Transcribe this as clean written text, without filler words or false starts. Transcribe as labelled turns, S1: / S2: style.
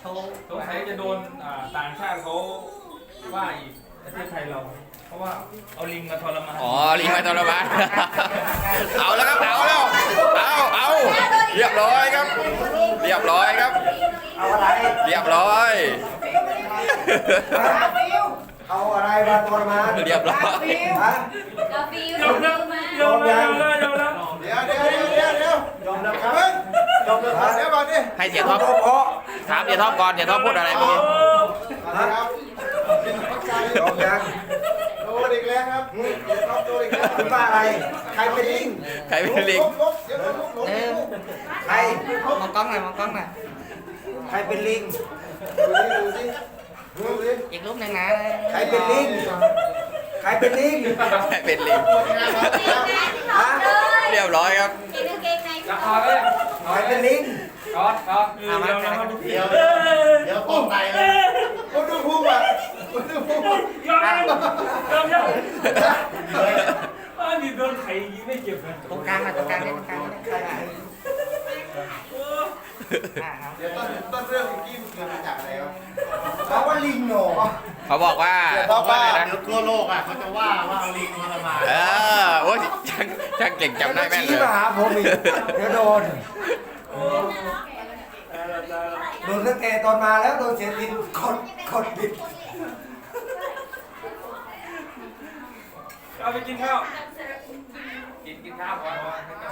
S1: สงสัยจะโดนต่างชาติเขาว่าอีกประเทศไทยเรา เพราะว่าเอาลิงมาทรมาน
S2: อ๋อลิงมาทรมานเอาแล้วครับเอาแล้วเอาเรียบร้อยครับเรียบร้อยครับ
S3: เอาอะไร
S2: เรียบร้อย
S3: เอาอะไรมาทรมาน
S2: เรียบร้อย
S3: ฮะ
S4: กาฟิวยอมแล้ว
S3: ยอมยัง
S1: ยอมแล้ว
S3: ยอมแล้วครับยอมแล้วครับเดี๋ยวก่อนดิ
S2: ให้เสียท็อปถามเสียท็อปก่อนเสียท็อปพูดอะไรเมื่อกี้
S3: ครับยอมยังโดนอีกแล้วครับเดี๋ยวครับโดนอีกแล้วคุณว่าอะไรใครเป็นลิง
S2: ใครเป็นลิง
S3: ใคร
S5: มองกล้องหน่อยมองกล้องหน่อย
S3: ใครเป็นลิงดูสิดูสิ
S5: อีกรูปหนึ่งนะ
S3: ใครเป็นลิงใครเป็นลิง
S2: ใครเป็นลิง
S3: ฮะ
S2: เรียบร้อยครับ
S4: กินกางเกงใน
S1: จะพอเลย
S3: ใครเป็นลิง
S1: ก๊อตยอมแล้วครับ
S3: เดี๋ยวป้องไตเลยคุณดูพุ่งอ่ะคุณดูพุ่ง
S1: ยอมนี่โดนไข่ยิงไม่เจ็บเลย
S5: ตรงกลางหน่อยตรงกลางนี่ตรงกลางนี่ครับ
S3: เดี๋ยวต้นเรื่องเมื่อกี้มันเกิดมาจากอะไรครับเขาว่าลิงหนอ
S2: เขาบอกว่า
S3: ว่า
S2: อะไรนะ
S6: เดี๋ยวทั่วโลกอ่ะเขาจะว่าเอาลิงทรมาน
S2: โอ้ยช่างเก่งจำได้แม่นเล
S3: ชี้
S2: ย
S3: มาหาผมอีกเดี๋ยวโดนตั้งแต่ตอนมาแล้วโดนเสียดินกดบิด
S1: เอาไปกินข้าวกินข้าวก่อน